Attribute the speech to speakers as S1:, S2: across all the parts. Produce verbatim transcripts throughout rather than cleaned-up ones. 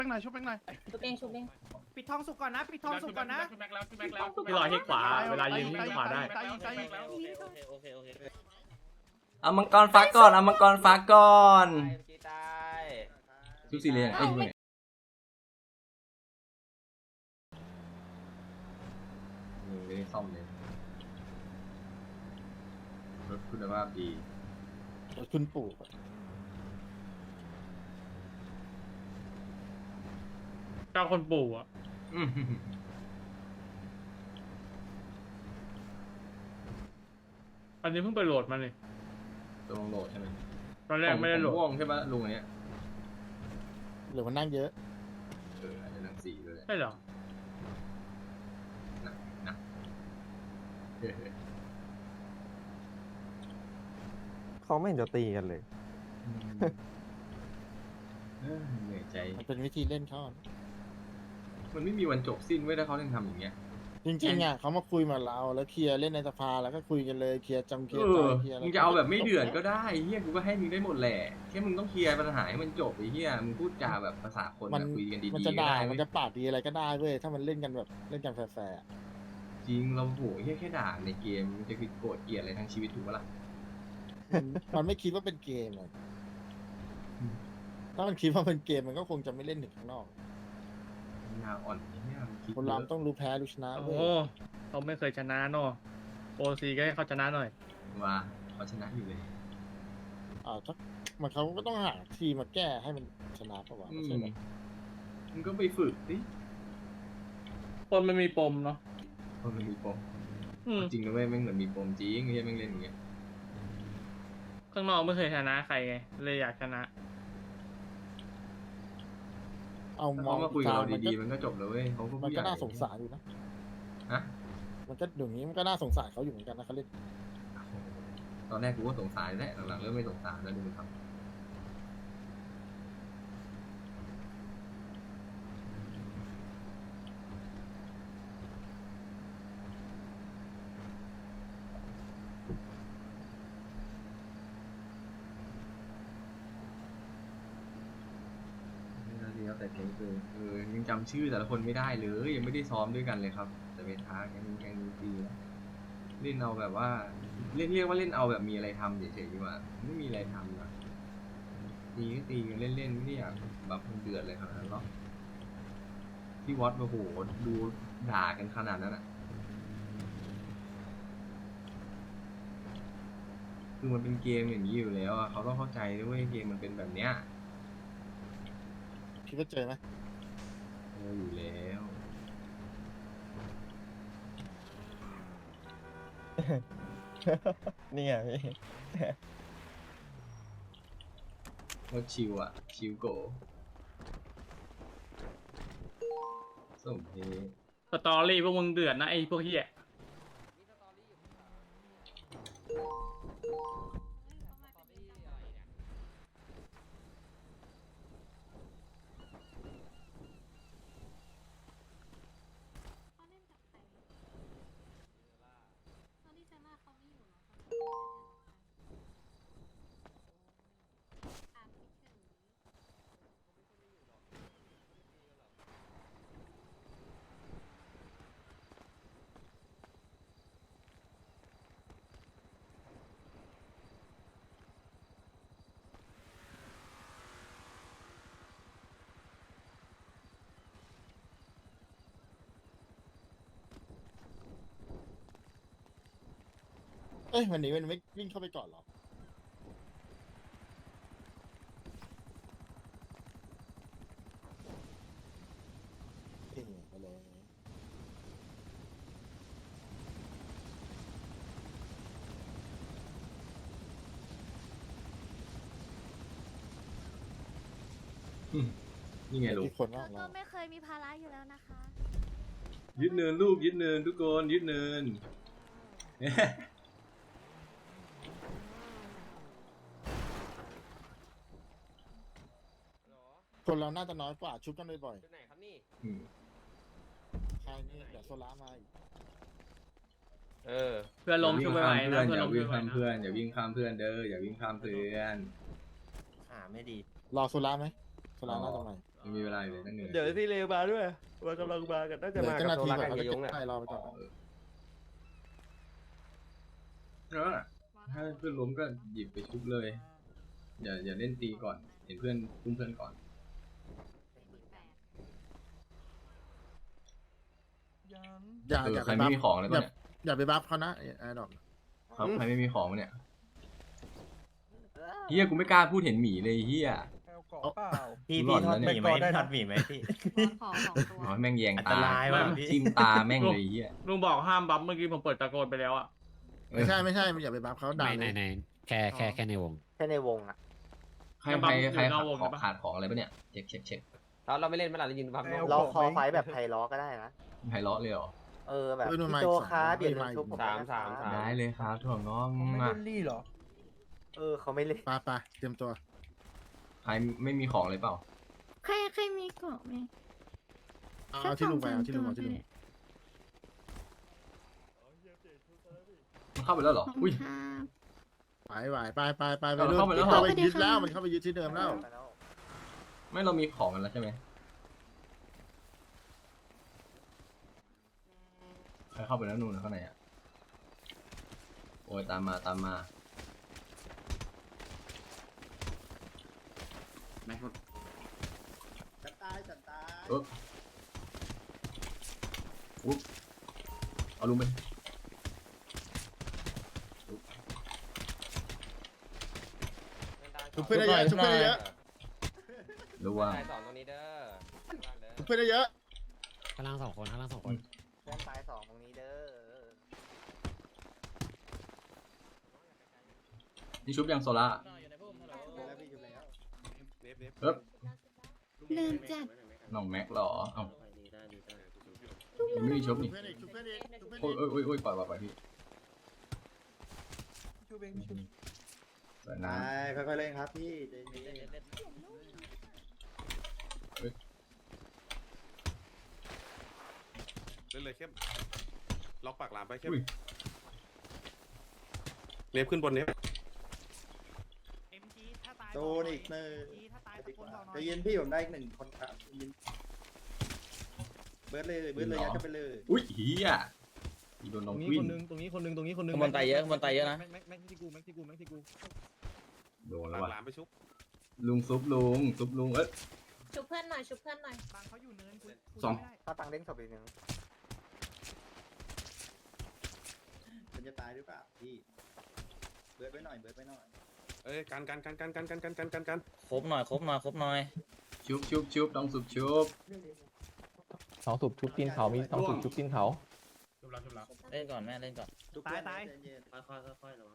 S1: ป้งหน่อยชุบแป้งหน่อย
S2: ชุบเองชุบเอง
S3: ปิดทองสุกก่อนนะปิดทองสุกก่อนนะ
S4: พี่ลอยที่ขวาเวลายืนที่ขวาได้
S5: โอเคโอเค
S6: เอามังกรฟ้าก่อนเอามังกรฟ้าก่อน
S5: ตาย
S6: ชุบสีเหลืองไอ้เนี่ยไม่ได้ซ่อมเลยรถคุณภาพดี
S1: คุณปู่
S4: เจ้าคนปู่อ่ะอันนี้เพิ่งไปโหลดมาเลย
S6: ตัวลงโหลดใช่ไหม
S4: ตอนแรกไม่ได้โหลด
S6: ม่วงใช่ปะลุงอันเนี้ย
S1: หรือมันนั่งเยอะ
S6: เอออาจจะนั่งสีเลย
S4: ใช่เหรอ
S6: นะนะเออ
S7: เขาไม่เห็นจะตีกันเลย
S6: เออเหนื่อยใจ
S1: มันเป็นวิธีเล่นเขา
S6: มันไม่มีวันจบสิ้นเว้ยถ้าเขายังทำอย่างเงี้ย
S1: จริงๆอ่ะเขามาคุยมาเราแล้วเคลียร์เล่นในสภาแล้วก็คุยกันเลยเคลียร์จำเคลีย
S6: เอ
S1: ร์ใจ
S6: อ
S1: เคลียร์
S6: มึงจะเอาแบบไม่เดือดก็ได้เฮียกูก็ให้มึงได้หมดแหละแค่มึงต้องเคลียร์ปัญหาให้มันจบไอ้เฮียมึงพูดจาแบบภาษาคน
S1: มัน
S6: แบบคุยกันดีๆ
S1: มันจะ
S6: ก็
S1: ด่า
S6: ได้
S1: มันจะปาดดีอะไรก็ได้เว้ยถ้ามันเล่นกันแบบเล่นกันแฟร์
S6: จริงเราโหเฮียแค่ด่าในเกมมันจะโกรธเกลียดอะไรทั้งชีวิตถูกปะล่ะ
S1: ๆมันไม่คิดว่าเป็นเกมเลยถ้ามันคิดว่าเป็นเกมมันก็คงจะไม่เล่นถึงข้างนอก
S6: ยาอ่อนเนี่ยมันคิด
S1: คน
S6: เย
S1: เรา
S6: อะ
S1: ต้องรู้แพ้รู้ชนะ
S4: โอ้
S1: เว้
S4: โห
S1: ย
S4: เขาไม่เคยชนะเนาะโอซีก็ให้เขาชนะหน่อย
S6: ว่าเขาชนะอยู่เลย
S1: อ่าถ้ามันเขาก็ต้องหาทีมมาแก้ให้มันชนะปะวะ
S6: อื
S1: ไม่
S6: ม
S1: ใช่แบบ
S6: มึงก็ไปฝึกดิ
S4: คนมันมีปมเนาะ
S6: เพราะมันมีปม
S4: อืม
S6: จริงนะเว้ยแม่งเหมือนมีปมจริงเฮียแม่งเล่นอย่างเงี้ย
S4: ข้างนอกไม่เคยชนะใครไงเลยอยากชนะ
S1: เอา
S6: ถ้าม
S1: อง
S6: เขามาคุย
S1: ก
S6: กับ
S1: ลาง
S6: เรา
S1: มัน
S6: ดี
S1: ก็
S6: ๆมันก็จบแล้วเว้ยเขาก็
S1: มัน
S6: ผู้ให
S1: ก็
S6: ญ่
S1: น่าสงสารอยู่นะ
S6: ฮะ
S1: มันก็อย่างนี้มันก็น่าสงสารเขาอยู่เหมือนกันนะเขาเล่น
S6: ตอนแรกกูก็สงสารแหละหลังๆเริ่มไม่สงสารแล้วดูมันทำเดียวแต่เก่งคือเออยังจำชื่อแต่ละคนไม่ได้เลยยังไม่ได้ซ้อมด้วยกันเลยครับ แต่เป็นทางยังยังดีนะเล่นเอาแบบว่าเรียกเรียกว่าเล่นเอาแบบมีอะไรทำเฉยๆดีกว่าไม่มีอะไรทำนะตีก็ตีกันเล่นๆไม่ได้อยากแบบมันเดือดเลยขนาดนั้นหรอกที่วัดโอ้โหดูด่ากันขนาดนั้นอ่ะคือมันเป็นเกมอย่างนี้อยู่แล้วอะเขาต้องเข้าใจด้วยเกมมันเป็นแบบเนี้ย
S1: คิดว่าเจอไหม
S6: เอออยู่แล้ว
S7: นี่ไงพี่
S6: โคตรชิวอ่ะ ชิวโกสมเพช
S4: สตอรี่พวกมึงเดือดนะไอ้พวกเฮีย
S1: เอ้ยวันนี้มันไม่วิ่งเข้าไปก่อนหรอเอ้ยไปเลย
S6: นี่ไงลูก
S1: ที่คนว่า
S8: ก็
S1: เรา
S8: ไม่เคยมีภาระอยู่แล้วนะคะ
S6: ยึดเนินลูกยึดเนินทุกคนยึดเนิน
S1: คนเราน่าจะน้อยกว่าชุบกันบ่อย
S5: จุดไหนครับนี่
S6: อืม
S1: ๆใครนี่เดี๋ยวโซล่ามาอีก
S5: เออ
S4: เพื่อนลมช่วยไปไหว
S6: อย่า
S4: นะ
S6: วิ่ง
S4: เพื่อน
S6: ข้าม
S4: ลม
S6: เพื่
S4: ช่
S6: อ
S4: วน ยไป
S6: อย่าวิ่งข้ามเพื่อนอย่าวิ่งข้ามเพื่อนเด้ออย่าวิ่งข้ามเพื่อน
S5: ขาไม่ดี
S1: รอโซล่าไหมโซล่าน่าจะมา
S6: รยังมีเวลาอยู่เลยตั้งเหนื่อย
S2: เดี๋ยวที่เลมาด้วยมันกำลังมากันน่าจะ
S1: เดี๋ยว
S2: มา
S1: เจ้า
S2: กับ
S1: หน้า
S2: โซ
S1: ที่
S2: ลา
S1: ก่อน
S2: กัน
S1: เขา
S2: กับ
S1: จะ
S2: ย
S1: เก็บ
S2: งอ่ะ
S1: ไล่รอไปก่อน
S6: แล้วถ้าเพื่อนล้มก็หยิบไปชุบเลยอย่าอย่าเล่นตีก่อนเห็นเพื่อนคุ้มเพื่อนก่อน
S1: อย่า
S6: เออ
S1: อย่า
S6: ใค
S1: ไป
S6: รไม่
S1: บัฟ
S6: มีของเลย
S1: อย่า
S6: ปะเนี่ย
S1: อย่าไปบัฟเขานะไอ้ดอก
S6: ครับใครไม่มีของปะเนี่ยเฮียกูไม่กล้าพูดเห็นหมีเลยเฮีย
S2: พี่
S6: หล่
S2: พี่
S6: อน
S2: ทอด
S6: แล้ว
S2: ห
S6: เนี่ย
S2: มี่ไหมทอดหมี่ไหมพี่
S8: ขอสองตัว
S6: อ๋อแม่งแยง
S2: อัน
S6: ตา
S2: ตรายว่ะพี่
S6: ทิ่มตาแม่งเลยเฮีย
S4: ลุงบอกห้ามบัฟเมื่อกี้ผมเปิดตะโกนไปแล้วอ่ะ
S1: ไม่ใช่ไม่ใช่อย่าไปบัฟเขาด่า
S9: ไม่
S1: เล
S9: ใน
S1: ย
S9: ในแค่แค่แค่ในวง
S2: แค่ในวงอ่ะ
S6: ใครใครใครขาดของขาดของอะไรปะเนี่ยเช็คเช็คเช็ค
S5: เราเราไม่เล่นเมื่อไหร่เรายืนพับ
S2: เราคอไฟแบบไทยล้อก็ได้นะ
S6: ไฮเลาะเลยเหรอ
S2: เออแบบ
S1: เฮ้ยนู่น
S2: พี่
S1: มา
S2: โจ
S1: อีกสอง
S2: ค้าเปลี่ยน
S1: มา
S2: เป็น
S1: อีก
S2: ชุบผม
S5: สามสามสาม
S6: ได้เลยครับถ่วงน้อง
S2: ไม่
S6: มา
S2: เล่นลี่หรอ เออเขาไม่เล่น
S1: ไปไปเตรียมตัว
S6: ใครไม่มีของเลยเปล่า
S8: ใครใครมีเกาะไหม
S1: เอาเอาที่ลุงไปเอาที่ลุงเอาที่ลุง
S6: มันเข้าไปแล้วเหรออุ้ย
S1: ไหวไหวไปไปไปไป
S6: เอา
S1: รุ่น
S6: เข้าไปแล้ว
S1: เข้าไปยึดแล้วมันเข้าไปยึดที่เดิมแล้ว
S6: ไม่เรามีของกันแล้วใช่ไหมใครเข้าไปแล้วนู่นนะข้างในอ่ะโอ้ยตามมาตามมาเอออุ๊บเอาลุงไป
S1: ชุบเพื่อนได้เยอะชุบเพื่อนได้เยอะ
S6: รู้ว่า
S5: สายสองตรงนี้เด้อ
S1: ชุบเพื่อนได้เยอะ
S9: ข้างล่างสองคนข้างล่างสองคน
S2: เพื่อนซ้ายสองตรงนี้เด้อ
S6: นี่ชุบยังโซล่าเอ๊บ
S8: เริ่มจัด
S6: น้องแม็กเหรอเอ้ายังไม่มีชุบ
S1: ชุบ
S6: นี่
S1: เพื่อนอีกชุบเพื่อนอีกชุบเพื่อน
S6: โอ้ย
S1: อีก
S6: โอ้ยโอ้ยโอ้ยปล่อยปล่อยปล่อยพี่สวยนะ
S2: ค่อยๆเล่นครับพี่
S10: เล่นเลยเข้มล็อกปากหลามไปเข้ม
S6: อุ้ย
S10: เนฟขึ้นบนเนฟ
S3: เอ็มจีถ้าตาย
S2: โดนอีกหนึ่ง
S3: ถ้าตายตะโกนบอกหน่
S2: ใจ
S3: อย
S2: เย็นพี่ผมได้อีกหนึ่งคนครับใจเย็นเบิร์ดเลยเบิร์ดเลยยัดกันไปเลย
S6: อุ้ยเฮียอีโดนน้องวิน
S2: ตรงนี้คนนึงตรงนี้คนนึง
S5: ข้างบนไตเยอะข้างบนไตเยอะนะ
S2: แม็กแม็กที่กูแม็กที่กูแม็กที่กู
S6: โดน
S10: ปา
S6: แล้ว
S10: ก
S6: ว่ะ
S10: หลามไปชุบ
S6: ลุงซุปลุงซุปลุงเอ้ย
S8: ชุบเพื่อนหน่อยชุบเพื่อนหน่อย
S3: บางเขาอยู่เนินกูกู
S6: สอง
S3: ไม่ได้
S2: ถ้าตังเด้งศพอีกหนึ่งมันจะตายหรือเปล่าพี่เบิร์ดไว้หน่อยเบิร์ดไว้หน่อย
S10: เอ้ยกันกันกันกันกันกันกันกันกันกัน
S5: ครบหน่อยครบหน่อยครบหน่อย
S6: ชุบชุบชุบต้องซุปชุบ
S7: สองสูบชุบกินเขามีสองสูบชุบกินเขา
S4: ชุบแล้วชุบแล้ว
S5: เล่นก่อนแม่เล่นก่อน
S3: ตายตาย
S5: ค่อยค่อยค่อยระวัง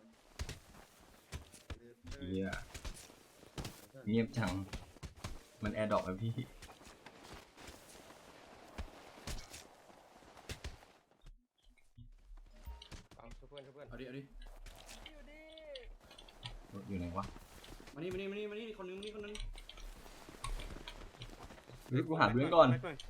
S6: เฮียเงียบจังมันแอร์ดรอปอะพี่เอาดิเอาดิอยู่ไหนวะ
S2: มานี่มานี่มานี่มานี่คนนึงมานี่คนนึง
S6: เฮ้ยกูหาเพื่อนก่อน
S10: แม็หย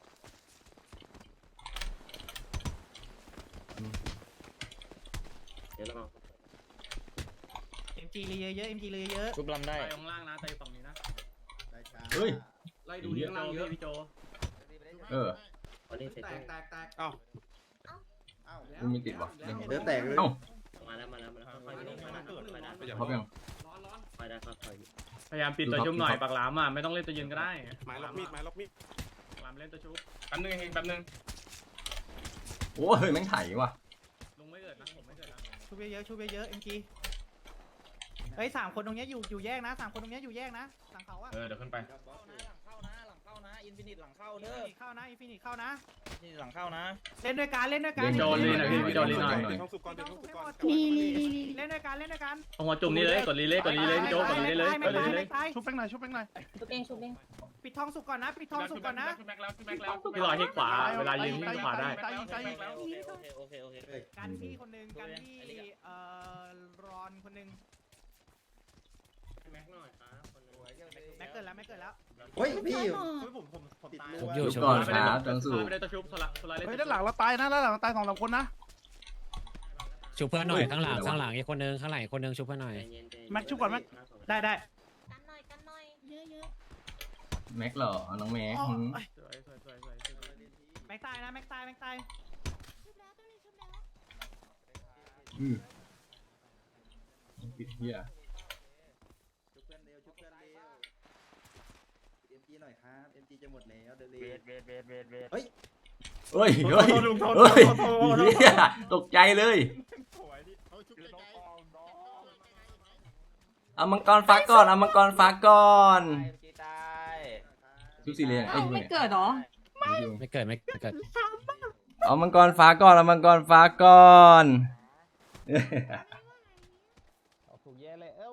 S5: เดี๋ยวระวัง
S3: เอ็มจีเลยเยอะเอ็มจีเลยเยอะ
S5: ชุบลำได้
S4: ตายข้างล่างนะตายฝั่งนี้นะ
S6: เฮ้ย
S2: ไล่ดูเลี้ยงล่างเยอะ
S4: พี่โจ
S6: เออ
S5: วันนี้เสร็จ
S2: แตกแตกแตก
S10: เอ้า
S2: อ้าว
S6: กูไม่ติดวะ
S2: เดือดแตกเลย
S6: เอ้า
S5: มาแล้วมาแล้วมาแล้วค่อยๆเล่นค่อยๆค่อยๆได้
S10: ไม่อยาก
S6: พร้อมยัง
S2: ร้อนร้อน
S5: ค่อยๆได้ค่อย
S4: พยายามปิดตัวชุบหน่อยปากหลามอ่ะไม่ต้องเล่นตัวยืนก็ได้
S10: ไม้ล็อกมีดไม้ล็อกมีด
S4: ปากหลามเล่นตัวชุบแป๊บนึงเองแป๊บนึง
S6: โอ้ยแม่งไถว่ะ
S4: ลุงไม่เกิดนะผมไม่เกิดนะ
S3: ชุบเยอะๆชุบเยอะๆเอ็มจีเฮ้ยสามคนตรงเนี้ยอยู่อยู่แยกนะสามคนตรงเนี้ยอยู่แยกนะหลังเขาอะ
S4: เออเดี๋ยวขึ้นไป
S5: ๆหลังเข้านะหลังเข้านะอินฟินิตหลังเข้า
S3: อิน
S5: เด้อ
S3: ฟินิตเข้านะอินฟินิตเข้านะ
S5: อินฟินิตหลังเข้านะ
S3: เล่นด้วยกันเล่นด้วยกัน
S6: เล่น
S4: โจนลีหน่อยพี่พี่โจนลีหน่อย
S10: เดี๋ยวท้องสุกก่อนเดี๋ยวท้องสุกก่อน
S8: นี่
S3: เล่นด้วยกันเล่นด้วยกัน
S4: เอาหัวจุ่มนี่เลยกดรีเล่กดรีเล่พี่โจกดรีเล่เลยกดรีเล่เลย
S3: ชุบแป้งหน่อยชุบแป้งหน่อย
S8: ชุบเองชุบเอง
S3: ปิดทองสุกก่อนนะปิดทองสุกก่อนนะ
S4: ชุบแม็กแล้วชุบแม็กแล้วพี่ลอยที่ขวาเวลายืนที่ขวาได้
S5: โอเคโอเคโอเคโอเค
S3: กันพี่คนหนึ่งกันพี่เอ่อรอนคนหนึ่ง
S5: แม็กหน่อยครับคนนึง
S3: แม็กเกิดแล้วแม็กเกิดแล้ว
S2: เฮ้ยพี่
S8: ชุบ
S2: ผมผมผมตาย
S9: ชุบอ
S6: ชุ
S9: ยู่
S6: บ
S9: ชุบ
S6: ก่อน
S9: อยู่
S6: ครับจังสู
S4: ไม่ได้ตัวชุบสละสละเล่น
S3: เฮ้ยด้านหลังเราตายนะด้านหลังตายสองสามคนนะ
S9: ชุบเพื่อนหน่อยข้างหลังข้างหลังอีกคนนึงข้างหลังอีกคนนึงชุบเพื่อนหน่อย
S3: แม็กชุบก่อนแม็กได้ได้
S8: กันหน่อยกันหน่อยเยอะเยอะ
S6: โแม็กเหรอน้องแม็กหืม
S4: สวยสวยสวยสวยสวย
S3: แม็กตายนะแม็กตายแม็กตาย
S6: อือปิดเหี้ย
S2: ชุบเพื่อนเร็วชุบเพื่อนเร็วเอ็มจีหน่อยครับเอ็มจีจะหมดแล้วเดี๋ยวเร็ว
S5: เวทเวทเวทเวทเวท
S2: เฮ้ย
S6: เฮ้ยเฮ้ยเฮ้ยเหี้ยตกใจเลย
S1: เขาชุบไกล
S6: เอามังกรฟ้าก่อนเอามังกรฟ้าก่อน
S5: จีตาย
S6: ชุบสีเหลือง
S8: เอ้าไม่เกิดเหรอ
S9: ไม่เกิดไม่เกิด
S6: เอามังกรฟ้าก่อนเอามังกรฟ้าก่อน
S7: เอาถูกแย่เลยเอ้า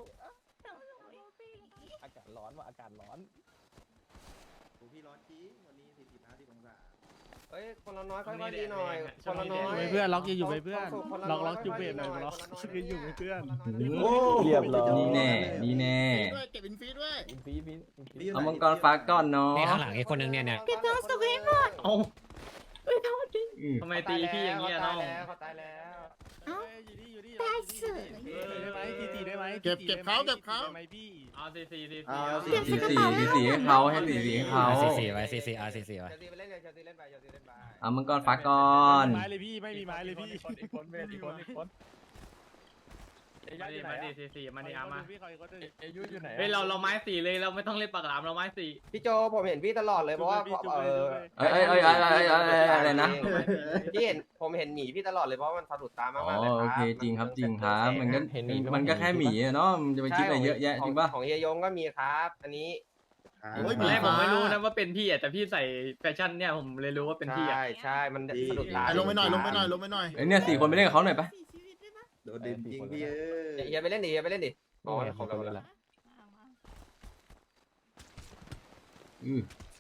S7: อากาศร้อนว่ะอากาศร้อน
S2: โอ้พี่ร้อนจริงวันนี้สี่สิบห้าสิบองศา
S5: เฮ้ยคนละน้อยค่อยๆดีหน่อยคนละน้อย
S3: เพื่อนล็อกอยู่ไปเพื่อน
S5: คนละ
S3: ล็อก
S5: น้
S3: ล็
S5: ย
S3: อกอยู่เพื่อนหน่อย
S5: ค่
S3: ล็อก
S5: ๆดี
S3: อยู่ไปเพื่อน
S2: โอ้
S7: เรียบร้อย
S6: นี่แน่นี่แน่
S1: ๆด้วยเก็บอินฟีด้วย
S7: อินฟีฟินอินฟี
S6: เอามังกรฟ้าก่อนเนาะ
S9: นี่ข้างหลังอีกคนนึงเนี่ยเนี่ย
S8: เก็บทั้งสุกให้หมด
S4: เอ้า
S8: เอ้ยเท่าดิ
S6: อือ
S4: ทำไมตีพี่อย่างเงี้ยน้อง
S5: เขาตายแล้ว
S8: เอ้า
S3: อยู่นี่อยู่นี่
S8: ได้เสือ
S3: ได้ไหมทีทีได้ไหม
S1: เก็บเก็บเขาเก็บเขา
S3: ได้ไหมพี่
S4: เอาสี่สี่สี่
S2: เอา
S4: สี่
S2: สิ
S6: สีสีสีสีให้เขาให้สีสีให้เขา
S9: สี่สี่ไว้สี่สี่อ่ะสี่สี่ไว้
S5: เชลซีไปเล่นเลยเชลซีเล่นไปเชลซีเล่นไป
S6: เอามังกรฟ้าก่อน
S3: ไม้เลยพี่ไม่มีไม้เลยพี่
S7: อีกคนเวทอีกคนอีกคน
S4: มาดิมาดิสี่สี่มาดิอามา
S3: พี่คอยก็ได้
S7: เอยุอยู่ไหน
S4: เฮ้ยเราเราไม้สี่เลยเราไม่ต้องเล่นปากหลามเราไม้สี่
S5: พี่โจผมเห็นพี่ตลอดเลยเพราะว่าเออ
S6: เอ้ยเอ้ยเอ้ยเอ้ยเอ้ยเอ้ยเอ้ยอะไรนะ
S5: พี่เห็นผมเห็นหมีพี่ตลอดเลยเพราะว่ามันสะดุดตามาก
S6: อ๋อ
S5: ๆเลยครับ
S6: โอเคจริงครับจริงครับมันก็มันก็แค่หมีอะเนาะมันจะไปคิดอะไรเยอะแยะจริงป่ะ
S5: ของเฮียยงก็มีครับ อันนี้
S1: โอ้ย
S4: ตอนแรกผมไม่รู้นะว่าเป็นพี่อ่ะแต่พี่ใส่แฟชั่นเนี่ยผมเลยรู้ว่าเป็นพี่อ่ะ
S5: ใช่ใช่มันสะดุดตา
S1: ไอ้ลงไปหน่อยลงไปหน่อยลงไปหน่อย
S6: เอ้ยเนี่ยสี่คนไปเล่นกับเขาหน่อยปะ
S2: โดนดึงจริงพี่เอ้ย
S5: เฮียไปเล่นดิเฮียไปเล่นดิอ๋อ
S7: โอ้ย
S5: ของเรา
S7: ตัว
S5: แล้ว
S7: ละ
S6: อือ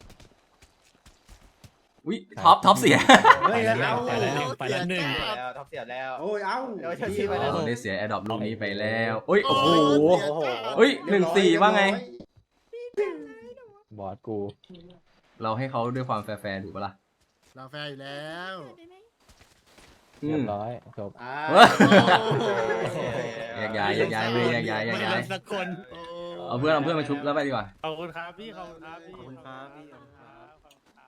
S6: อุ้ยท็อปท็อปเสีย
S2: เฮ้ยแล้ว
S9: ไปแล้วไปแล้วหนึ่ง
S5: แล้วท็อปเสียแล้ว
S2: โอ้ยเอ้า
S5: เดี๋ยวเชลซีไปแล้ว
S6: เราได้เสียแอร์ดรอปลูกนี้ไปแล้วอุ้ยโอ้โห
S1: โอ้โห
S6: เฮ้ยหนึ่งสี่ว่าไง
S7: บอสกู
S6: เราให้เขาด้วยความแฟร์ๆถูกปะล่ะ
S1: เราแฟร์อยู่แล้ว
S6: อื
S7: เรีย
S6: ม
S7: บร้อยจบ
S2: อ่า
S6: แยกย้ายแยกย้ายเลยแยกย้ายแยกย้าย
S3: สักคน
S6: เอาเพื่อนเอาเพื่อนมาชุบแล้วไปดีกว่า
S3: ขอบคุณครับพี่ขอบคุณครับพี่
S2: ขอบคุณครับพี่
S3: ขอบคุณครับขอบคุณครับ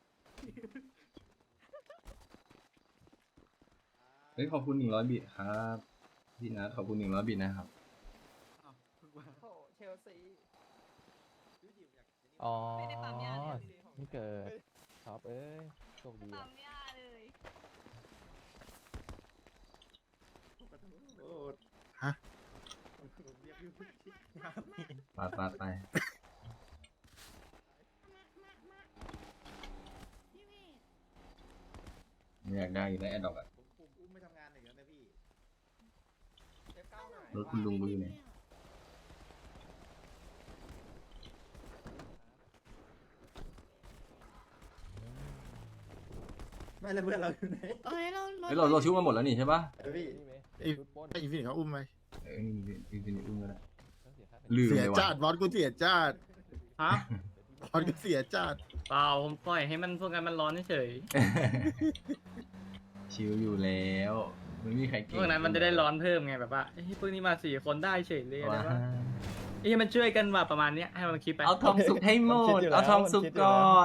S6: เฮ้ยขอบคุณหนึ่งร้อยบิตครับพี่นัทขอบคุณหนึ่งร้อยบิตนะครับ
S5: เชลซี
S7: อ๋อ
S8: ไม่ได้ปั๊มยาเลย
S7: นี่เกิดท็อปเอ้ยโชคดี
S8: ปั๊
S7: ว่ะ
S8: มยาเลย
S6: ไปไปไปไม่อยากได้อยู่แล้วแอดดอกอะ
S2: ผมผมอุ้มไม่ทำงานเลยนะพี่
S6: รถคุณลุงกูอยู่ไหน
S2: ไม่แล้วเพื่อนเราอยู่ไหน
S8: เอ้ยเรา
S6: เฮ้ยเราเราชุบมาหมดแล้วนี่ใช่ปะ
S2: เออพี่
S7: นี่ไหม
S1: ไอ้
S7: ชุดปล้น
S1: ไอ้อินฟีเขาอุ้มไป
S6: เออนี่นี่นี่นี่อุ้มกันแล้ว
S7: ต้องเสียค่า
S6: ลืม
S1: เสีย
S6: เลย
S1: จา
S6: ว่ะ
S1: ดบอสกูเสียจาด
S4: ฮะ
S1: บอสกูเสียจาด
S4: เปล่าผมปล่อยให้มันพวกกันมันร้อนเฉย
S6: ชิวอยู่แล้วไม่มีใคร
S4: ๆ
S6: เก่ง
S4: พวกนั้นมันจะได้ร้อนเพิ่มไงแบบว่าเฮ้ยพวกนี้มาสี่คนได้เฉยเลยอะไร
S6: ว้า
S4: ว่าเอ้ยมันช่วยกันว่าประมาณเนี้ยให้มันคิดไป
S6: เอาทองสุกให้หมดเอาทองสุกก่อน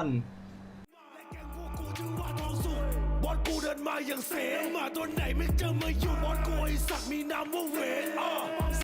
S11: บอสกูเดินมาอย่างเสมาตัวไหนไม่เจอมาอยู่บอสกูไอสักมีนามว่าเวน